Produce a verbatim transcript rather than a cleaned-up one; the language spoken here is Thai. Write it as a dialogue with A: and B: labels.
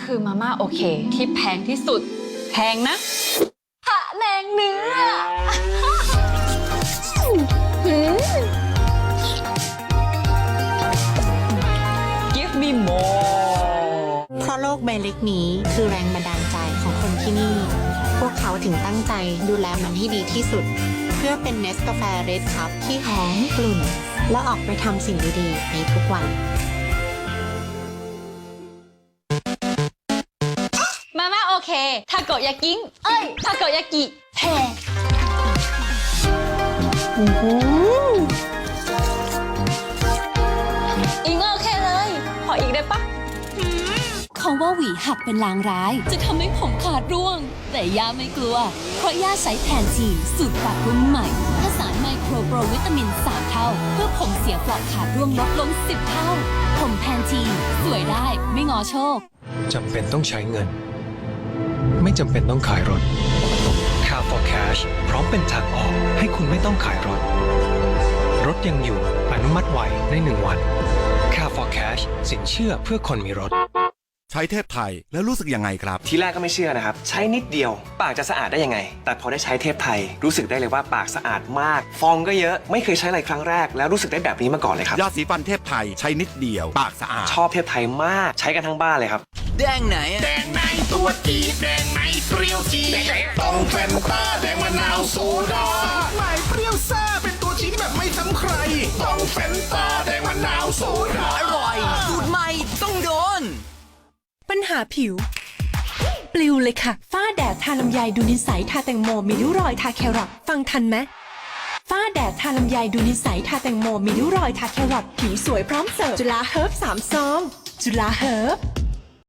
A: คือมาม่าโอเคที่แพงที่สุดแพงนะพะแนงเนื้อ Give me more
B: เพราะโลกใบเล็กนี้คือแรงบันดาลใจของคนที่นี่ พวกเขาถึงตั้งใจดูแลมันให้ดีที่สุด เพื่อเป็นเนสกาแฟเรดคัพที่หอมกลุ่น และออกไปทำสิ่งดีๆในทุกวัน
A: มาม่าโอเคทาโกยากิงเอ้ยทาโกยากิแพงอิงโอเคเลยขออีกได้ปะ
C: เขาว่าหวีหักเป็นลางร้ายจะทำให้ผมขาดร่วง แต่ย่าไม่กลัว เพราะย่าใช้แพนทีนสูตรปรับรุ่นใหม่ผสานไมโครโปรวิตามินสามเท่า เพื่อผมเสียเปลอกขาดร่วงลดลงสิบเท่า ผมแพนทีนสวยได้ไม่งอโชค
D: จำเป็นต้องใช้เงิน ไม่จำเป็นต้องขายรถ Car for Cash พร้อมเป็นทางออกให้คุณไม่ต้องขายรถ รถยังอยู่อนุมัติไวในหนึ่งวัน Car for Cash สินเชื่อเพื่อคนมีรถ
E: ใช้เทพไทยแล้วรู้สึกยังไงครับ
F: ทีแรกก็ไม่เชื่อนะครับ ใช้นิดเดียว ปากจะสะอาดได้ยังไง แต่พอได้ใช้เทพไทยรู้สึกได้เลยว่าปากสะอาดมาก ฟองก็เยอะไม่เคยใช้อะไรครั้งแรกแล้วรู้สึกได้แบบนี้มาก่อนเลยครับ
E: ยาสีฟันเทพไทยใช้นิดเดียว ปากสะอาด
F: ชอบเทพไทยมากใช้กันทั้งบ้านเลยครับ
G: แดงไหนอะ
H: แดงในตัวจีดแดงในเปรี้ยวจีดต้องแฟนตาแดงมะนาวโซดาใหม่เปรี้ยวซ่าเป็นตัวจีดแบบไม่ซ้ำใคร ต้องแฟนตาแดงมะนาวโซดา
G: อร่อยสูตรใหม่ต้องโดน
I: ปัญหาผิว ปลิวเลยค่ะ ฝ้าแดดทาลำไยดูนิสัยทาแตงโมมีริ้วรอยทาแครอทฟังทันไหมฝ้าแดดทาลำไยดูนิสัยทาแตงโมมีริ้วรอยทาแครอทผิวสวยพร้อมเสิร์ฟจุฬาเฮิร์บสามซองจุฬาเฮิร์บ